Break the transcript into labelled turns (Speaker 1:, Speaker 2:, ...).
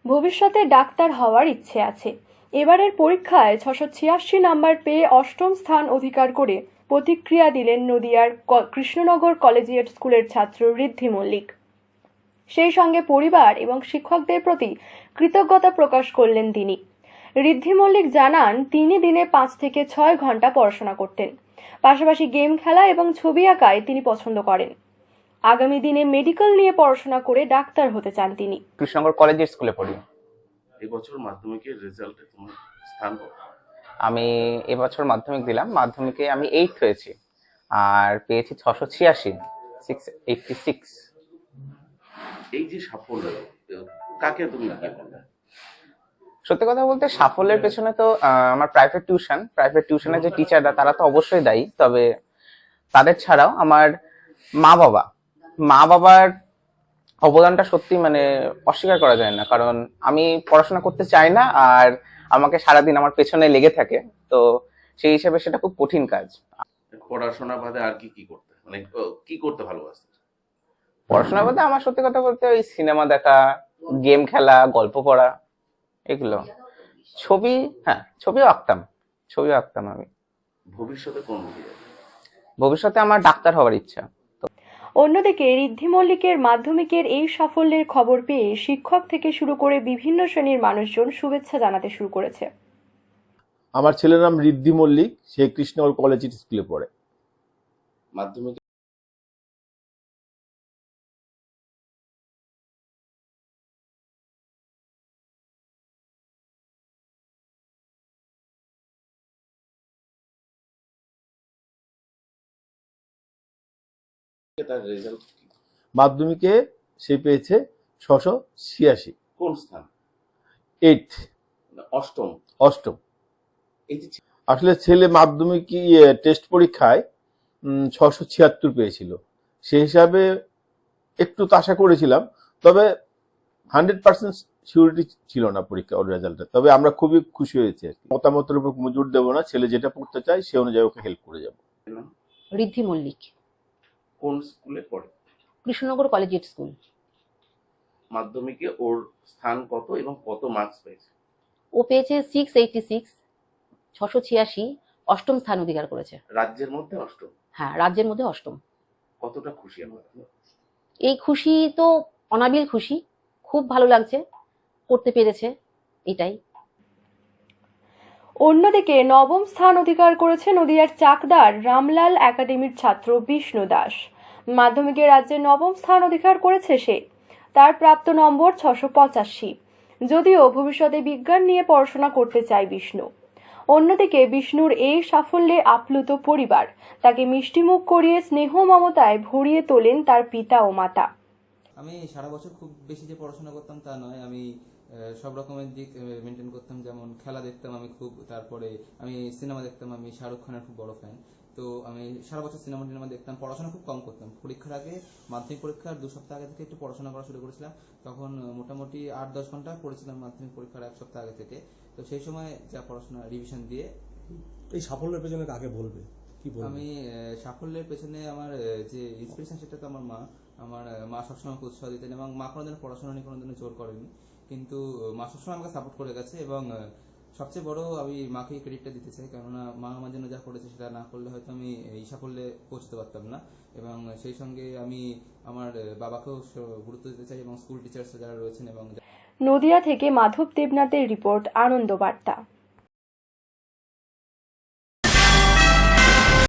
Speaker 1: ভবিষ্যতে ডাক্তার হওয়ার ইচ্ছে আছে। এবারের পরীক্ষায় 686 নাম্বার পেয়ে অষ্টম স্থান অধিকার করে প্রতিক্রিয়া দিলেন নদিয়ার কৃষ্ণনগর কলেজিয়েট স্কুলের ছাত্র ঋদ্ধি মল্লিক। সেই সঙ্গে পরিবার এবং শিক্ষকদের প্রতি কৃতজ্ঞতা প্রকাশ করলেন তিনি। ঋদ্ধি মল্লিক জানান, তিনি দিনে 5 থেকে 6 ঘন্টা পড়াশোনা করতেন। পাশাপাশি গেম খেলা এবং ছবি আঁকায় তিনি পছন্দ করেন। আগামী দিনে মেডিকেল নিয়ে পড়াশোনা করে ডাক্তার হতে চান তিনি।
Speaker 2: কৃষ্ণনগর কলেজের স্কুলে পড়ি।
Speaker 3: এবছর মাধ্যমিকের রেজাল্টে তোমার স্থান কত?
Speaker 2: আমি এবছর মাধ্যমিক দিলাম, মাধ্যমিকে আমি 8th হয়েছি আর পেয়েছি 686, 686।
Speaker 3: এই যে সাফল্য, কাকে তুমি কি বলবে?
Speaker 2: সত্যি কথা বলতে সাফল্যের পেছনে তো আমার প্রাইভেট টিউশনের যে টিচাররা তারা তো অবশ্যই দায়ী, তবে তাদের ছাড়াও আমার মা বাবার অবদানটা সত্যি মানে অস্বীকার করা যায় না। কারণ আমি পড়াশোনা করতে চাই না আর আমাকে সারাদিন আমার পেছনে লেগে থাকে, তো সেই হিসেবে সেটা খুব কঠিন কাজ।
Speaker 3: পড়াশোনা বাদে আর কি করতে, মানে কি করতে ভালোবাসতে?
Speaker 2: পড়াশোনা বলতে আমার সত্যি কথা বলতে ওই সিনেমা দেখা, গেম খেলা, গল্প পড়া, এগুলো। ছবিও আঁকতাম আমি।
Speaker 3: ভবিষ্যতে কোন দিকে?
Speaker 2: ভবিষ্যতে আমার ডাক্তার হওয়ার ইচ্ছা।
Speaker 1: অন্যদিকে ঋদ্ধি মল্লিকের মাধ্যমিকের এই সাফল্যের খবর পেয়ে শিক্ষক থেকে শুরু করে বিভিন্ন শ্রেণীর মানুষজন শুভেচ্ছা জানাতে শুরু করেছে।
Speaker 4: আমার ছেলের নাম ঋদ্ধি মল্লিক, সে কৃষ্ণনগর কলেজিয়েট স্কুলে পড়ে।
Speaker 3: মাধ্যমিক তার রেজাল্ট
Speaker 4: মাধ্যমিকে সে পেয়েছে 686।
Speaker 3: কোন স্থান?
Speaker 4: 8th, অষ্টম।
Speaker 3: এই যে
Speaker 4: আসলে ছেলে মাধ্যমিক টেস্ট পরীক্ষায় 676 পেয়েছিল। সেই হিসাবে একটু আশা করেছিলাম, তবে 100% সিউরিটি ছিল না পরীক্ষা ওর রেজাল্টে। তবে আমরা খুবই খুশি হয়েছি। মতামতের উপর মজুর দেবো না, ছেলে যেটা পড়তে চায় সে অনুযায়ী ওকে হেল্প করে যাবো।
Speaker 5: ঋদ্ধি মল্লিক
Speaker 3: কোন স্কুলে পড়ে?
Speaker 5: Krishnanagar collegiate school.
Speaker 3: মাধ্যমিকে ওর স্থান কত এবং কত মার্কস পেয়েছে?
Speaker 5: ও পেয়েছে 686, 686, অষ্টম স্থান অধিকার করেছে।
Speaker 3: রাজ্যের মধ্যে অষ্টম?
Speaker 5: হ্যাঁ, রাজ্যের মধ্যে অষ্টম।
Speaker 3: কতটা খুশি আমরা?
Speaker 5: এই খুশি তো অনাবিল খুশি, খুব ভালো লাগছে, করতে পেরেছে, এটাই।
Speaker 1: অন্যদিকে নবম স্থান অধিকার করেছে নদিয়ার চাকদার রামলাল একাডেমির ছাত্র বিষ্ণু দাস। মাধ্যমিকে রাজ্যে নবম স্থান অধিকার করেছে সে। তার প্রাপ্ত নম্বর 685। যদিও ভবিষ্যতে বিজ্ঞান নিয়ে পড়াশোনা করতে চায় বিষ্ণু। অন্যদিকে বিষ্ণুর এই সাফল্যে আপ্লুত পরিবার, তাকে মিষ্টিমুখ করিয়ে স্নেহ মমতায় ভরিয়ে তোলেন তার পিতা ও মাতা।
Speaker 6: আমি সারা বছর খুব বেশি যে পড়াশোনা করতাম তা নয়, আমি সব রকমের দিক মেনটেন করতাম। যেমন খেলা দেখতাম আমি খুব, তারপরে আমি সিনেমা দেখতাম, আমি শাহরুখ খানের খুব বড় ফ্যান। তো আমি সারা বছর সিনেমা দেখতাম, পড়াশোনা খুব কম করতাম। পরীক্ষার আগে, মাধ্যমিক পরীক্ষার 2 সপ্তাহ আগে থেকে একটু পড়াশোনা করা শুরু করেছিলাম। তখন মোটামুটি 8-10 ঘন্টা পড়েছিলাম মাধ্যমিক পরীক্ষার 1 সপ্তাহ আগে থেকে। তো সেই সময় যা পড়াশোনা রিভিশন দিয়ে।
Speaker 7: এই সাফল্যের পেছনে কাকে বলবে, কি বলবে?
Speaker 6: আমি সাফল্যের পেছনে আমার যে ইন্সপিরেশন, সেটা তো আমার মা। আমার মা সবসময় আমাকে উৎসাহ দিতেন এবং মা কোনোদিন পড়াশোনা নিয়ে কোনোদিনও জোর করেনি, কিন্তু মা সবসময় আমাকে সাপোর্ট করে গেছে। এবং সবচেয়ে বড় আমি মাকেই ক্রেডিটটা দিতে চাই, কেননা মা আমার জন্য যা করেছে সেটা না করলে হয়তো আমি এই সাফল্যে পৌঁছতে পারতাম না। এবং সেই সঙ্গে আমি আমার বাবাকেও গুরুত্ব দিতে চাই এবং স্কুল টিচার্স যারা রয়েছেন। এবং
Speaker 1: নদিয়া থেকে মাধব দেবনাথের রিপোর্ট, আনন্দ বার্তা।